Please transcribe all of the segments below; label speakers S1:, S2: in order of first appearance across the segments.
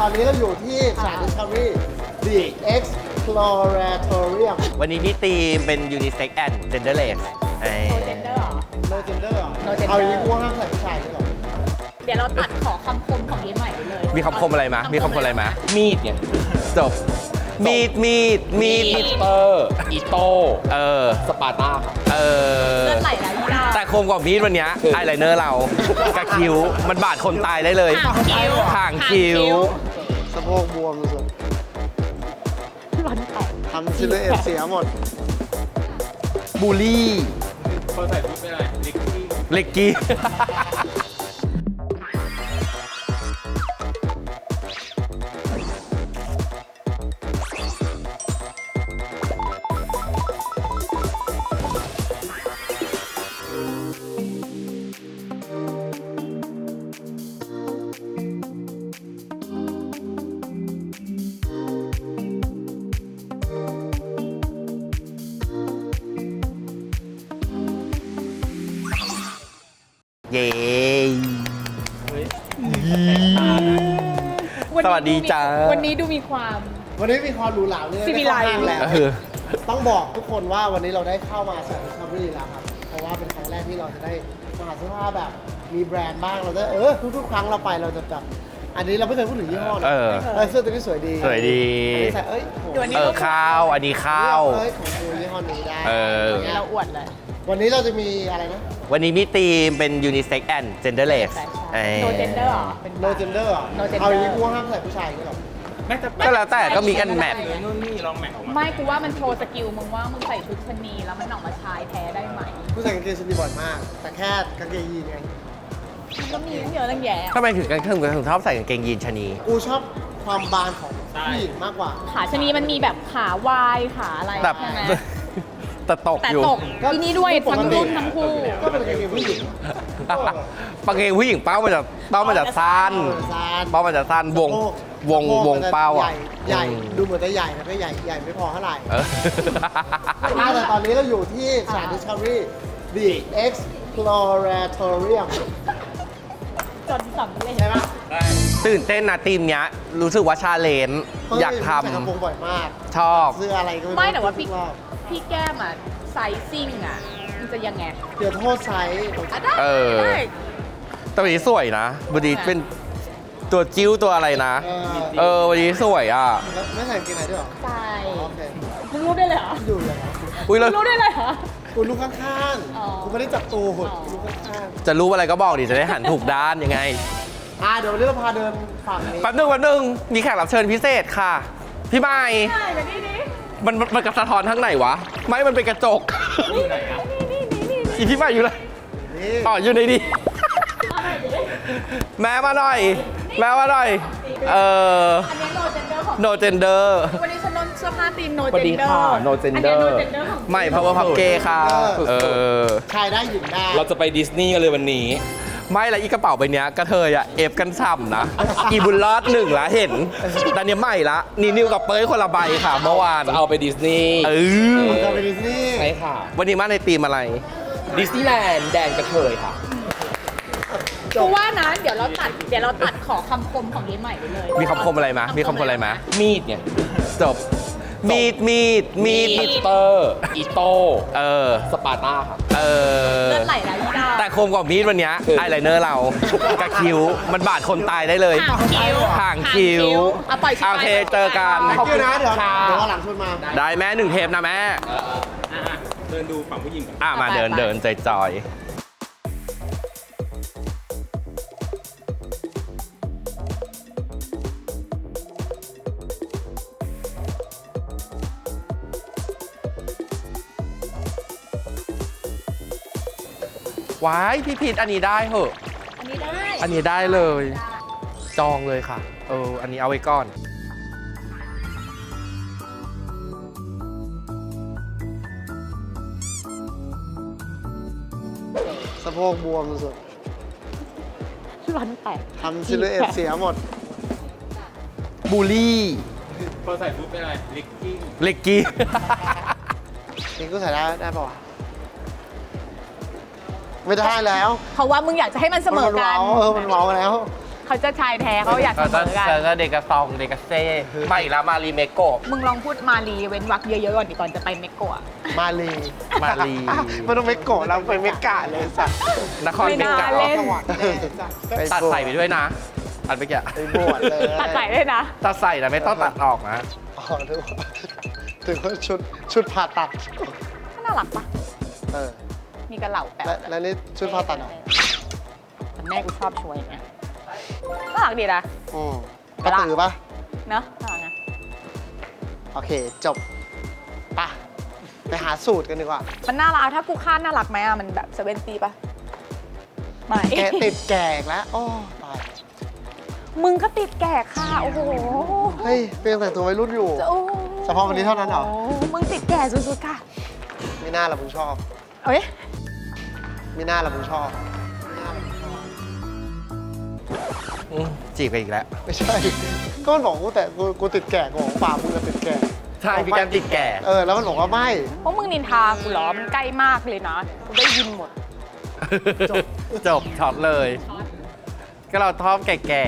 S1: ตอนนี้เราอยู่ที่สถาน Discovery The Exploratorium
S2: วันนี้พี่ตีมเป็น Unisex and Genderless
S3: โนเจนเดอร์เหรอ
S1: No Gender เหรอ
S3: No Gender
S1: เอาอย่างนี้กูว่าห้ามใส่ผู้ชายด้วยเหรอ
S3: เดี๋ยวเราตัดขอคำคมของเย้ใหม่ไปเลย
S2: มีคำคมอะไรมามีคำคมอะไรมา
S4: มีดเนี่ย
S2: จบ มีด
S4: มิสเตอร์อีโต้ สปาร์ต้าครับ
S3: เลือดไหลแล้วยี่ดา
S2: แต่คมกว่ามีดวันเนี้ยอายไลเนอร์เรากับคิ้ว มันบาดคนตายได้เลย
S3: ห่างคิ้ว
S2: ห่างคิ้ว
S1: สะโพกบวมสุด
S3: วันแตก
S1: ทำซิลูเอตเสียหมด
S2: บูลลี่
S4: คนใส่ชุดเป็นอะไรลิกกี้
S2: เล็กกี้ เย้ สวัสดีจ้า
S3: วันนี้ดูมีความ
S1: วันนี้มีความหรูหราเลย
S3: สิวิไลซ์
S1: ได้เข้าห้างแล้ว
S2: เออ
S1: ต้องบอกทุกคนว่าวันนี้เราได้เข้ามาสถาน Discovery แล้วครับ เพราะว่าเป็นครั้งแรกที่เราจะได้มาหาเสื้อผ้าแบบมีแบรนด์บ้างเราจะทุกๆครั้งเราไปเราจะแบบอันนี้เราไม่เคยพูดถึงยี่ห้อนะ เสื้อตัวนี้สวยดี
S2: สวยดี
S1: อันนี้ใส่โห
S3: เดี๋ยวนี้
S2: ข้าว อันนี้ข้าว
S1: ของกูยี่ห้อนี้ได้
S3: วันนี้เราอวดเลย
S1: วันนี้เราจะมีอะไรนะ
S2: วันนี้พี่ตีมเป็น Unisex and Genderless
S3: โนเจนเดอร์เหรอ
S1: No Gender เหรอ
S3: No Gender
S1: เอาอย่างนี้กูว่าห้ามใส่ผู้ชายด้วยเหรอ
S4: แม่จะ
S2: ก็แล้วแต่ก็มีกันแมท
S4: นู่นนี่ลองแมทออกมา
S3: ไม่กูว่ามันโชว์สกิลมึงว่ามึงใส่ชุดชะนีแล้วมันออกมาชายแท้ได้ไหม
S1: ผู้ใส่กางเกงชนิดบ่อยมาก แต่แค่กางเกงยีนไง
S3: มันก็มีเยอะตั้งแยะ
S2: ทำไมถึงชอบใส่กางเกงยีนชะนี
S1: กูชอบความบานของผู้หญิงมากกว่า
S3: ขาชะนีมันมีแบบขาวายขาอะไร
S2: แต่
S3: ใช่ไหม
S2: แต่ตก
S3: แต่
S2: อยู่
S3: ตกที่นี่ด้วยทั้งรุ่นทั้งคู่
S1: ก็เป็นกางเกงผู้หญิง
S2: กางเกงผู้หญิงเป้ามันจะสั้น เป้ามันจะสั้นวงเป้าอ่ะ
S1: ใหญ่ดูเหมือนจะใหญ่แต่ไม่ใหญ่ใหญ่ไม่พอเท่าไหร่
S2: เออ
S1: แต่ตอนนี้เราอยู่ที่สถาน Discovery The Exploratorium
S3: จนสำเร็จ
S1: ใช่ปะ
S2: ตื่นเต้นนะทีมเนี้ย รู้สึกว่าชาเลนจ์อยากท
S1: ใส่กระโปรงบ่อยมาก
S2: ำชอบ
S1: เสื้ออะไรก็
S3: ไม่แต่ว่าพี่
S1: ทุกรอบ
S3: พี่แก้มอ่ะไซซิ่งอ่ะมันจะยังไง
S1: เดี๋ยวโทษไซส์
S3: อ่ะได้
S2: เออ
S3: ได้
S2: แต่วันนี้สวยนะวันนี้เป็นตัวจิ้วตัวอะไรนะ วันนี้สวยอ่ะ
S1: แล้วไม่ใส่กางเกงไหนด้วยเหรอ
S3: ใช่
S1: โอเค
S3: มึงรู้ได้เลยเหรอ
S1: อยู่เลยนะ
S2: อุ้ยแล้ว
S3: รู้ได้เลยเหรอ
S1: กูลูกข้าง
S3: อ๋อ
S1: ๆกูไม่ได้จับตูหุ่น
S3: อ๋อ
S1: ลูกข้าง
S2: จะรู้อะไรก็บอกดิจะได้หันถูกด้านยังไง
S1: ๆเดี๋ยววันนี้เราพาเดินฝั่งนี้
S2: แป๊บนึงมีแขกรับเชิญพิเศษค่ะ พี่ไม้
S3: ใช่แบบนี้นี่
S2: มันกระสะท้อนทั้งไหนวะ ไม่มันเป็นกระจก
S3: นี่นี่
S2: อีพี่ไม้อยู่เลย
S1: นี่
S2: อ๋ออยู่ในนี้ แม่มาหน่อย แม่มาหน่อย
S3: อันนี้โนเจนเดอร์ของ
S2: no gender
S3: วันนี้ฉันนำเสื้อผ้าทีมโน
S4: สวัส
S3: เจ
S4: ดี
S3: นเดอ
S4: ค่ะ
S3: ร์
S4: No Gender
S3: อันนี้โนเจนเดอร์ของ
S2: ไม่ power pub gay ค่ะ
S1: ชายได้หญิงได้
S4: เราจะไปดิสนีย์กันเลยวันนี้
S2: ไม่ละอีกระเป๋าใบเนี้ยกระเทยอะเอฟกันฉ่ำนะ อีบุญรอดหนึ่งละเห็นแต่เนี้ยใหม่ละนี่นิวกับเป้ยคนละใบค่ะเมื่อวาน
S4: จะเอาไปดิสนีย์
S1: จะไปดิสนีย์
S4: ใช่ค่ะ
S2: วันนี้มาในธีมอะไร
S4: ดิสนีย์แลนด์แดนกระเทยค่ะ
S3: กูว่านะเดี๋ยวเราตัดขอคำคมของเย้ใหม่ไปเลย
S2: มีคำคมอะไรมามีคำคมอะไรมา
S4: มีดเนี่ย
S2: จบ มีด
S4: มิสเตอร์อีโต้ สปาร์ต้าครับ
S3: เลือดไหลแล้วยี่ดา
S2: แต่คมกว่ามีดวันเนี้ยอายไลเนอร์เรากับคิ้ว มันบาดคนตายได้เลย
S3: ห่างคิ้ว
S2: ห่างคิ้ว
S3: เอาปล่อยชิ้น
S2: โอเคเจอกัน
S1: ขอบคุณนะเดี๋ยววันหลังชวนมา
S2: ได้แม่1 เทปนะแม่
S4: เดินดูฝั่งผู้หญิงก่อน
S2: มาเดินจอยว้ายพี่พีทอันนี้ได้เหอะ
S3: อันนี้ได้
S2: อันนี้ได้เลย จองเลยค่ะ อันนี้เอาไว้ก่อน
S1: สะโพกบวมสุด
S3: วันแตก
S1: ๆทำซิลูเอตเสียหมด
S2: บูลลี่
S4: คนใส่ชุดเป็นอะไรลิกกี้
S2: เล็กกี้
S1: นี่กูใส่ได้ป่าวะไม่ได้แล้ว
S3: เพราะว่ามึงอยากจะให้มันเสมอกัน
S1: มันเว้าแล้ว
S3: เขาเขาจะชายแท้เขาอยากเสมอกัน
S2: แล้วเด็กกระซองเด็กกระเซ่ไม่ละมารีเมโกะ
S3: มึงลองพูดมาลีเว้นวรรคเยอะๆก่อนดิก่อนจะไปเมกโกะ
S1: มาลี
S2: มารี
S1: มันต้องเมกโกะเราไปเมกาเลยสัตว์
S2: นครเมกะ
S3: ไม่น่าเล่น
S1: สวรรค์แน่สัตว์
S2: ตัดใส่ไปด้วยนะ อันเมื่อกี้
S1: ไปบวชเลย
S3: ตัดใส่ด้วยนะ
S2: ตัดใส่นะไม่ต้องตัดออกนะ
S1: อ๋อถึงว่าชุดผ่าตัด
S3: น่ารักปะ
S1: เออ
S3: มีกระเหล่าแปะ
S1: และนี่ชุดผ่าตัดเหรอ
S3: แต่แม่กูชอบช่วยอย่างเงี้ยน่ารักดีนะ
S1: กระตือปะ
S3: เนอะน่ารักนะ
S1: โอเค จบปะไปหาสูตรกันดีกว่า
S3: มันน่ารักถ้ากูคาดน่ารักไหมอะมันแบบ70ปะไม่
S1: แกติดแก่อีกแล้วโอ้ตาย
S3: มึงก็ติดแก่ค่ะ โอ้โห
S1: เฮ้ยเป็นแต่งตัววัยรุ่นอยู่
S3: โอ้
S1: เฉพาะวันนี้เท่านั้นเหรอ
S3: มึงติดแก่สุดๆค่ะ
S1: มีหน้าละมึงชอบ
S3: เอ้ย
S1: มีหน้าละมึงชอบ
S2: จีบกันอีกแล้ว
S1: ไม่ใช่ ก็มันบอกกูแต่กูติดแก่กูของป่ามึงจะติดแก่
S2: ใช่พี่แกมติดแก่
S1: แล้วมันบอกว่าไม่
S3: เพราะมึงนินทากูเหรอ มันใกล้มากเลยนะกูได้ยินหมด
S2: จบช็อตเลย ก็เราทอมแก่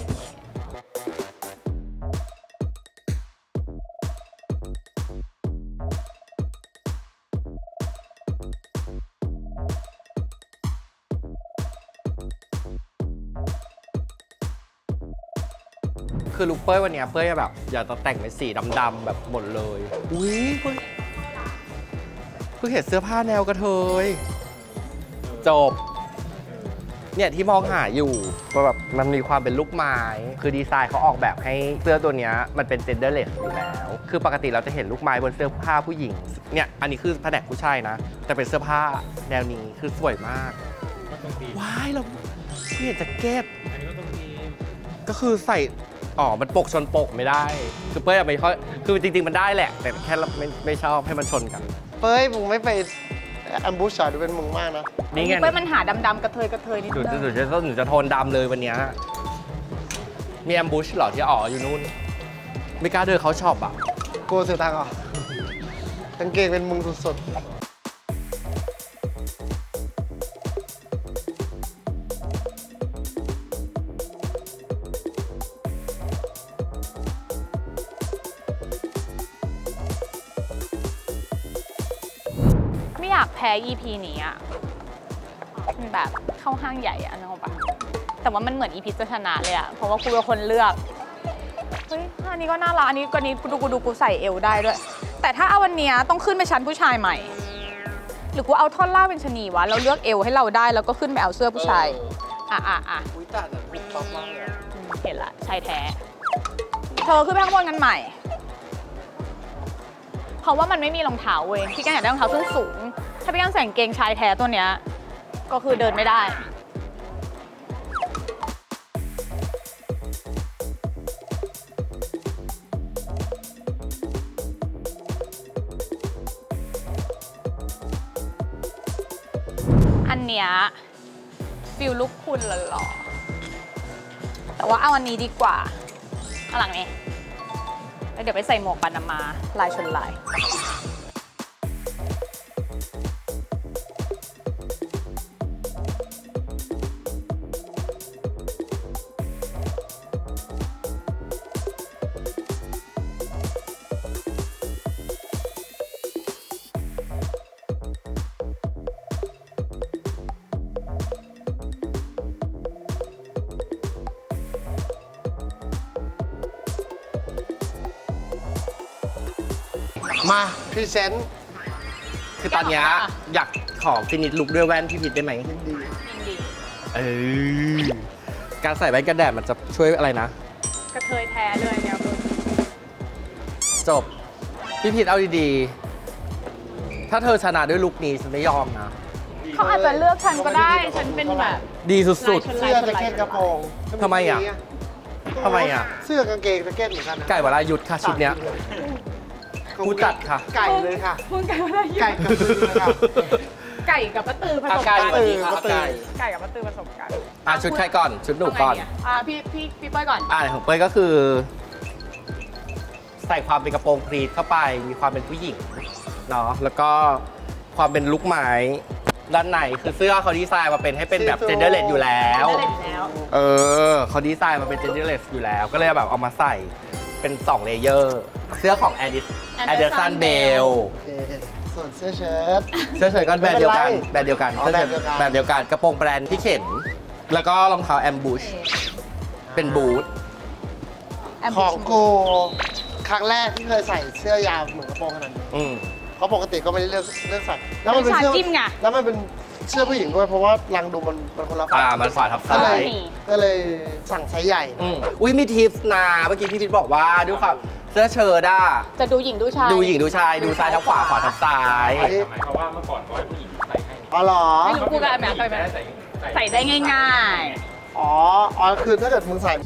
S2: ๆคือลุคเป้ยวันเนี้ยเป้ยแบบ อยากจะแต่งเป็นสีดำๆแบบหมดเลย อุ้ยเพิ่งเห็นเสื้อผ้าแนวกระเทย จบ เนี่ยที่มองหาอยู่ว่าแบบมันมีความเป็นลูกไม้ คือดีไซน์เขาออกแบบให้เสื้อตัวเนี้ยมันเป็น genderless อยู่แล้ว คือปกติเราจะเห็นลูกไม้บนเสื้อผ้าผู้หญิง เนี่ยอันนี้คือแผนกผู้ชายนะ แต่เป็นเสื้อผ้าแนวนี้คือสวยมาก ว้ายเราเห็นแจ็คเก็ตก็คือใส่มันปกชนปกไม่ได้ คือเป้ยไม่ค่อยคือจริงๆมันได้แหละ แต่แค่เราไม่ชอบให้มันชนกัน
S1: เป้ยมึงไม่ไปแอมบูชาดูเป็นมึงมากนะ
S2: นี่ไง
S3: เป้ยมันหาดำๆกระเทยนิด
S2: หนู
S3: นึง
S2: หนูจะโทนดำเลยวันเนี้ยมีแอมบูชเหรอที่อยู่นู่น ไม่กล้าเดินเขาช็อปอ่ะ
S1: กูเสียตังค์เหรอ กางเกงเป็นมึงสุดๆ
S3: ไม่อยากแพ้ EP นี้อ่ะมันแบบเข้าห้างใหญ่อะนึกออกปะแต่ว่ามันเหมือน EP จะชนะเลยอะเพราะว่ากูเป็นคนเลือก เฮ้ยอันนี้ก็น่ารักอันนี้กูดูกูใส่เอวได้ด้วย แต่ถ้าเอาวันเนี้ยต้องขึ้นไปชั้นผู้ชายใหม่ หรือกูเอาท่อนล่างเป็นชะนีวะเราเลือกเอวให้เราได้แล้วก็ขึ้นไปเอาเสื้อผู้ชายอ่ะ
S1: อุ้ยแต่กูชอบมากเลย
S3: เห็นละชายแท้ เธอขึ้นไปข้างบนกันใหม่ เพราะว่ามันไม่มีรองเท้าเว้ยพี่แกอยากได้รองเท้าส้นสูง ถ้าพี่แกใส่กางเกงชายแท้ตัวเนี้ยก็คือเดินไม่ได้ อันเนี้ยฟิลลุคคุณหล่อๆแต่ว่าเอาอันนี้ดีกว่าข้างหลังนี้แล้วเดี๋ยวไปใส่หมวกปานามาลายชนลาย
S1: มาพรีเซนต์
S2: คือตอนเนี้ยอยากขอฟินิชลุคด้วยแว่นพี่ผิดได้ไหม
S1: ยินดี
S3: ยินดี
S2: การใส่แว่นกันแดดมันจะช่วยอะไรนะ
S3: กระเทยแท้เลยเนี่ยคุณ
S2: จบ พี่ผิดเอาดีๆ ถ้าเธอชนะด้วยลุคนี้ฉันไม่ยอมนะ
S3: เขาอาจจะเลือกฉันก็ได้ ฉันเป็นแบบ
S2: ดีสุด
S3: ลายชน
S1: เสื้อแจ็คเก็ตกระโปรง
S2: ทำไมอ่ะ ทำไมอ่ะ
S1: เสื้อกางเกงแจ็คเก็ตเหมือนกันนะ
S2: ๆ ไก่วรายุทธค่ะชุดเนี้ย กูจัดค่ะ
S1: ไก่เลยค่ะ
S3: มึงไก่อะไร
S1: ไก่กับมือเลยค่ะ
S3: ไก่กับปะตือผสม
S2: ไก่
S3: กัน
S2: สวัสดีค่ะไก่
S3: ไก่กับปะตือผสมกัน
S2: ชุดใครก่อน ชุดหนูก่อน
S3: เอาไงพี่เป้ยก่อน
S2: ของเป้ยก็คือ ใส่ความเป็นกระโปรงพรีทเข้าไป มีความเป็นผู้หญิงเนาะแล้วก็ความเป็นลุคไม้ด้านในคือเสื้อเขาดีไซน์มาเป็นให้เป็นแบบ genderless อยู่แล้ว
S3: ได้เลยแล้ว
S2: เขาดีไซน์มาเป็น genderless อยู่แล้ว ก็เลยแบบเอามาใส่เป็น2เลเยอร์เสื้อของ Anderson Bell
S1: โอเคส่วนเสื้อเชิ้ต
S2: เสื้อเชิ้ตก็แบรนด์เดียวกัน
S1: ไม่เป็นไร
S2: แบรนด์เดียวกัน
S1: อ๋อ
S2: เสื้อเชิ้ต
S1: แบรนด์เดียวกัน
S2: แบรนด์เดียวกันกระโปรงแบรนด์ที่เข็นแล้วก็รองเท้า Ambush เป็นบูท
S1: ของกูครั้งแรกที่เคยใส่เสื้อยาวเหมือนกระโปรงขนาดนี้
S2: อืม
S1: เพราะปกติก็ไม่ได้เลือกใส่แล้วมันเป็น
S3: วิชา
S1: เสื้อ
S3: จิ้มไง
S1: แล้วมันเป็นเสื้อผู้หญิงด้วยเพราะว่ารังดูมันคนละฝั่ง
S2: มันฝาทับ
S1: ก็
S2: ซ้า
S1: เลย
S2: ย
S1: ก็เลยสั่งไซส์ใหญ่
S2: อุ้ยมีทิปส์นะเมื่อกี้พี่พิทบอกว่าด้วยความเสื้อเชิ้ตอะ
S3: จะดูหญิงดูชาย
S2: ดูหญิงดูชายดูซ้ายทับขวาขวาทับซ้าย
S1: อันนี้
S4: ทำไมเพราะว่าเมื่อก่อนเขาให้ผู้หญิงใส่ให้
S1: อ๋อเหรอ
S3: ไม่รู้กูกับแม่เคยไหมใส่ได้ง่าย
S1: อ๋อคือถ้าเกิดมึงใส่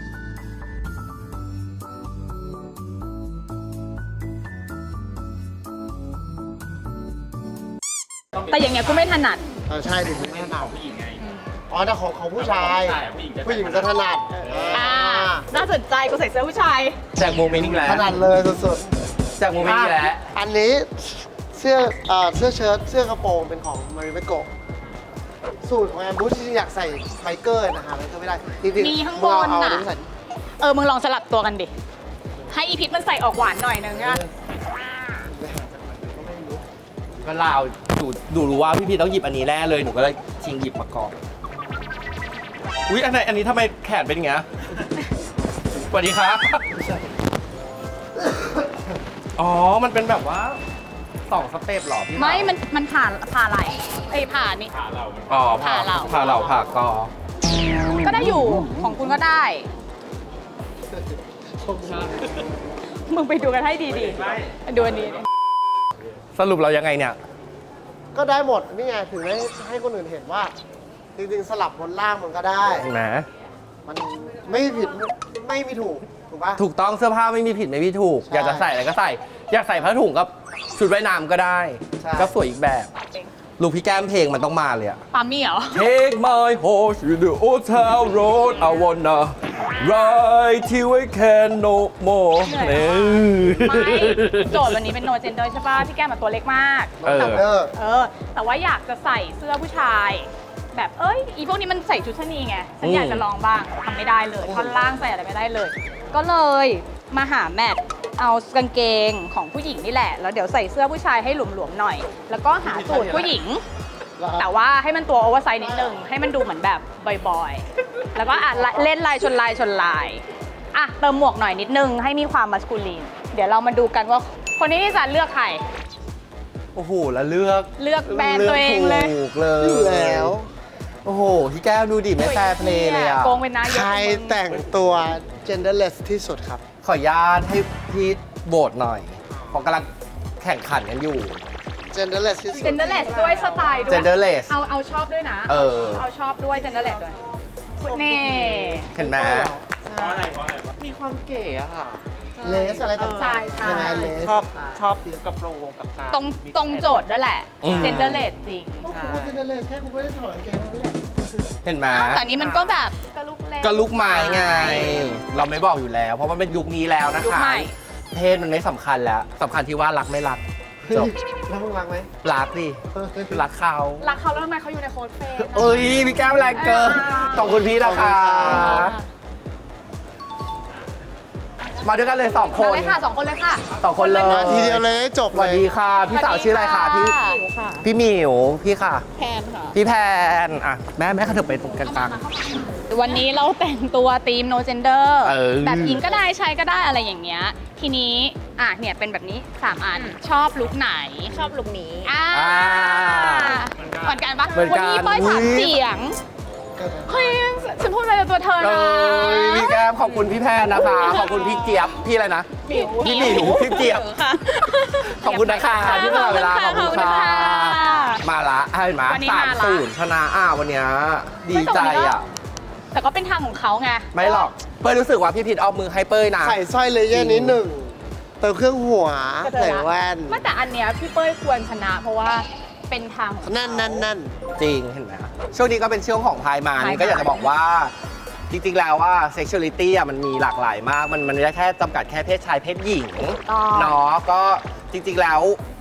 S3: ๆ แต่อย่างเงี้ยกูไม่ถนัด
S1: ใช่ดิไม่ถนัด
S4: ผู้หญิงไง
S1: อ๋อแต่ของผู้ชาย
S4: ใช่ผู้หญิงจะ
S1: ผู้หญิงจะถนัด
S3: น่าสนใจกูใส่เสื้อผู้ชาย
S2: แจกโมเมนต์อีกแล้ว
S1: ถนัดเลยสุด
S2: แจกโมเมนต์อีกแล้ว
S1: อันนี้เสื้อเสื้อเชิ้ตเสื้อกระโปรงเป็นของมาริเมโกะสูตรของแอมบูชจริงๆอยากใส่ไบเกอร์นะคะไบเกอร์ไม่ได้จริงๆ
S3: มีข้างบน
S1: มึเอา
S3: น่ะ
S1: อันนี้ใส่
S3: มึงลองสลับตัวกันดิ ให้อีพิษมันใส่ออกหวานหน่อยนึงอะ
S2: ก็ลาวดูรู้ว่าพี่พีต้องหยิบอันนี้แน่เลยหนูก็เลยชิงหยิบมาก่อนอุ๊ยอันนี้ทำไมแขนเป็นอย่างเงี้ยสวัสดีครับอ๋อมันเป็นแบบว่า2 สเต็ปเหรอพี่
S3: ไม่ มันผ่าไหลผ่านี่
S4: ขาเรา
S2: อ๋อ
S3: ผ่าเหล่า
S2: ผ่าเหล่าผ่ากอ
S3: ก็ได้อยู่ ของคุณก็ได้ มึงไปดูกันให้ดีๆ ดูอันนี้
S2: สรุปเรายังไงเนี่ย
S1: ก็ได้หมดนี่ไงถึงได้ให้คนอื่นเห็นว่า จริงๆสลับบนล่างมันก็ได้
S2: เห็นไหม
S1: มันไม่ผิดไม่มีถูกถูกปะ
S2: ถูกต้องเสื้อผ้าไม่มีผิดไม่มีถูก
S1: ใช่
S2: อยากจะใส่อะไรก็ใส่ อยากใส่ผ้าถุงกับชุดว่ายน้ำก็ได้
S1: ใช่
S2: ก็สวยอีกแบบลูกพี่แก้มเพลงมันต้องมาเลยอะ
S3: ปามี่เหรอ
S2: Take my horse to the old town road I wanna ride till I can no more
S3: เหนื่อยมาก ไม่โจทย์วันนี้เป็น no gender ใช่ป่ะพี่แก้มแบบตัวเล็กมาก
S2: เออ
S3: แต่ว่าอยากจะใส่เสื้อผู้ชาย แบบอีพวกนี้มันใส่ชุดชะนีไงฉันอยากจะลองบ้างทำไม่ได้เลยท่อนล่างใส่อะไรไม่ได้เลย ก็เลยมาหาแมทเอากางเกงของผู้หญิงนี่แหละ แล้วเดี๋ยวใส่เสื้อผู้ชายให้หลวมๆหน่อย แล้วก็หาสูทผู้หญิง แต่ว่าให้มันตัวโอเวอร์ไซส์นิดนึง ให้มันดูเหมือนแบบบอยๆ แล้วก็เล่นลายชนลายเติมหมวกหน่อยนิดนึงให้มีความมัสคูลีน เดี๋ยวเรามาดูกันว่าคนนี้จะเลือกใคร
S2: โอ้โหแล้วเลือก
S3: แบรนด์ตัวเองเลย
S2: ถูกเลย
S1: อยู่แล้ว
S2: โอ้โหพี่แก้วดูดิไม่แฟร์เพลย์เลยอะ
S3: โกงเป็นนายก
S1: ใครแต่งตัว genderless ที่สุดครับ
S2: ขออนุญาตให้พี่โบทหน่อยเพราะกำลังแข่งขันกันอยู่
S1: genderless ที่สุด
S3: เจนเดอร์เลสด้วยสไตล์ด้วย
S2: genderless
S3: เอาชอบด้วยนะ เอาชอบด้วยเจนเดอร์เลสด้วยนี่
S2: เห็นไหม
S4: เพราะอะไร
S5: มีความเก๋อะค่ะ
S1: เลสอะไรต่างๆ
S3: ใช่
S1: ใช่ไหมเลส
S5: ชอบกระโปรงกับกาง
S3: ตรงโจทย์ด้วยแหละเจนเดอร์เลสจริง
S1: ก็คุณว่า genderless แค่คุณไม่ได้ถอดกางเกงนั่นแหละ
S2: เห็นไหม
S3: แต่นี้มันก็แบบกระลุกเล็ก
S2: ก็ลุกไม้ไง เราไม่บอกอยู่แล้ว เพราะมันเป็นยุคนี้แล้วนะ
S3: ยุค
S2: คะ
S3: ใหม่
S2: เพศมันไม่สำคัญแล้วสำคัญที่ว่ารักไม่รักจบ
S1: แล้วมึงรักไหม
S2: รักดิรักเขา
S3: รักเขาแล้วทำไมเขาอยู่ในโค้ดเฟรม
S2: เอ้ยพี่แก้วแรงเกินขอบคุณพี่นะคะมาด้วยกันเลย2 คน
S3: เลยค่ะ2 คนเลยค่ะ
S2: 2 คนเลย
S1: มาทีเดียวเลยจบ
S2: ส
S1: เล
S2: วัส
S1: ย
S2: ดีค่ะ พี่สาวชื่ออะไรคะพี่พี่หมิวพี่ค่ะ
S3: แพนค่ะ
S2: พี่แพนอ่ะแม่เขาเถอะไปตรงกลาง
S3: วันนี้เราแต่งตัวธีม no gender
S2: เออ
S3: แบบหญิงก็ได้ชายก็ได้อะไรอย่างเงี้ย ทีนี้เนี่ยเป็นแบบนี้ 3 อัน ชอบลุคไหน
S6: ชอบลุคนี้
S3: เหมือนกันปะ
S2: เหมือนกัน
S3: วันนี้ป้อย
S2: อุ๊ย
S3: 3 เสียง เฮ้ย ฉันพูดอะไรกับตัวเธอ
S2: เอ
S3: นะ
S2: ้ยพี่แก้มขอบคุณพี่แพนนะคะ ขอบคุณพี่เจี๊ยบพี่อะไรนะพี่หมิวพี่เจี๊ยบขอบคุณนะคะที่มาเวลาขอบคุณค่ะมาละเห็นไหม
S3: วันนี้มาละ
S2: 3-0ชนะวันเนี้ยดีใจอ่ะ
S3: แต่ก็เป็นทางของเขาไง
S2: ไม่หรอกเป้ยรู้สึกว่าพี่พิษเอามือให้เป้ยนะ
S1: ใส่สร้อยเลเยอร์นิดหนึ่งเติมเครื่องหัว
S3: ก็เจอละ
S1: ใส่แว่น
S3: ไม่แต่อันเนี้ยพี่เป้ยควรชนะ เพราะว่าเป็นทางของเขา
S1: นั่น
S2: จริงเห็นไหมช่วงนี้ก็เป็นช่วงของพายมัน
S3: พายมัน
S2: ก็อยากจะบอกว่า จริงๆแล้วว่า sexuality อ่ะมันมีหลากหลายมาก มันไม่ได้แค่จำกัดแค่เพศชายเพศหญิง
S3: อ๋อ
S2: เนาะก็จริงๆแล้ว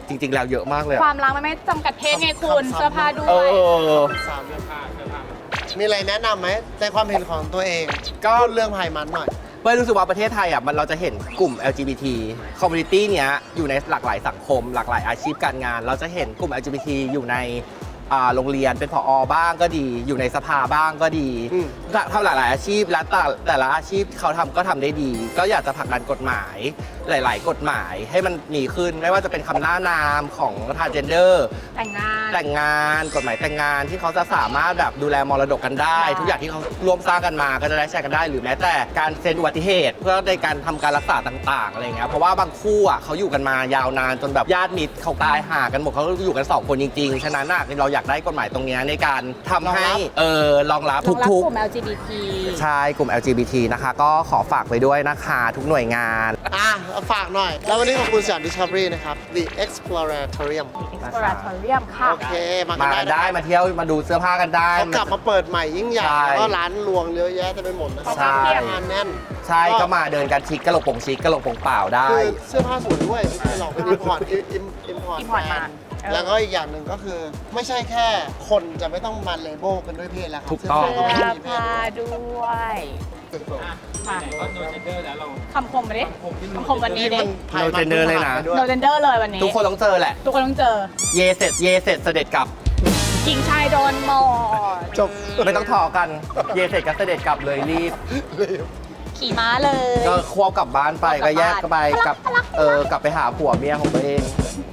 S2: จริง ๆ แล้วเยอะมากเลย
S3: ความรักมันไม่จำกัดเพศไงคุณเสื้อผ้าด้
S2: เอ
S3: วย
S2: อ
S1: สามเรื่องมีอะไรแนะนำไหมในความเห็นของตัวเอง
S2: ก็
S1: พูดเรื่องไพมันหน่อย
S2: เป้ยรู้สึกว่าประเทศไทยอ่ะเราจะเห็นกลุ่ม LGBT community เนี้ยอยู่ในหลากหลายสังคม หลากหลายอาชีพการงาน เราจะเห็นกลุ่ม LGBT อยู่ในโรงเรียนเป็นผอบ้างก็ดี อยู่ในสภาบ้างก็ดี
S1: อืม
S2: ทำหลากหลายอาชีพและแต่ละอาชีพเขาทำก็ทำได้ดี ก็อยากจะผลักดันกฎหมายหลาย ๆ กฎหมายให้มันมีขึ้น ไม่ว่าจะเป็นคำหน้านามของ transgender
S3: แต่งงาน
S2: แต่งงานกฎหมายแต่งงานที่เขาจะสามารถแบบดูแลมรดกกันได้
S3: ได้
S2: ทุกอย่างที่เขาร่วมสร้างกันมาก็จะได้แชร์กันได้ หรือแม้แต่การเซ็นอุบัติเหตุ เพื่อในการทำการรักษาต่างๆอะไรเงี้ยเพราะว่าบางคู่อ่ะเขาอยู่กันมายาวนานจนแบบญาติมิตรเขาตายห่างกันหมดเขาอยู่กัน2 คนจริงๆฉะนั้นเราอยากได้กฎหมายตรงเนี้ยในการทำให้รองรับ
S3: รองรับ
S2: ทุก
S3: กลุ่ม LGBT
S2: ๆใช่กลุ่ม LGBT นะคะก็ขอฝากไว้ด้วยนะคะทุกหน่วยงาน
S1: เอาฝากหน่อย แล้ววันนี้ขอบคุณสยาม Discovery นะครับ The Exploratorium
S3: Exploratorium ค่ะ
S1: โอเค มา
S2: มา
S1: กั
S2: กัน น
S1: ได้
S2: ได้
S1: นะ
S2: มาเที่ยวมาดูเสื้อผ้ากันได้
S1: เขากลับมาเปิดใหม่ยิ่งใหญ่
S2: ใช่
S1: แล้วก็ร้านรวงเยอะแยะเต็มไปหมดนะครั
S2: ใช่
S1: งานแน่น
S2: ใช่ก็มาเดินกันชิคกระโหลกโป่งชิคกระโหลกโป่งเปล่าได้
S1: คือเสื้อผ้าสวยด้วยไม่ใช่หรอกเป็นอิมพอร์ต
S3: import มา
S1: แล้วก็อีกอย่างหนึ่งก็คือ ไม่ใช่แค่คนจะไม่ต้องมาเลเบลกันด้วยเพศแล้วครับ
S2: ถูกต้อง
S1: เสื้
S3: เสื้
S1: ผ้า
S3: อ
S1: ก็ไม่มีเพศ
S3: ผ้าด้วยมาคำคมมาดิคำคมวันนี้ดิ
S1: มั
S2: No gender เลยนะ
S3: โนเจนเดอร์เลยวันนี้
S2: ทุกคนต้องเจอแหละ
S3: ทุกคนต้องเจอ
S2: เยเสร็จเสด็จกลับ
S3: หญิงชายโดนหมด
S1: จบ
S2: ไม่ต้องทอกัน เยเสร็จก็เสด็จกลับเลยรีบ
S3: ขี่ม้าเลย
S2: ก็ควบกลับบ้านไปก็แยกกันไปกลับกลับไปหาผัวเมียของตัวเอง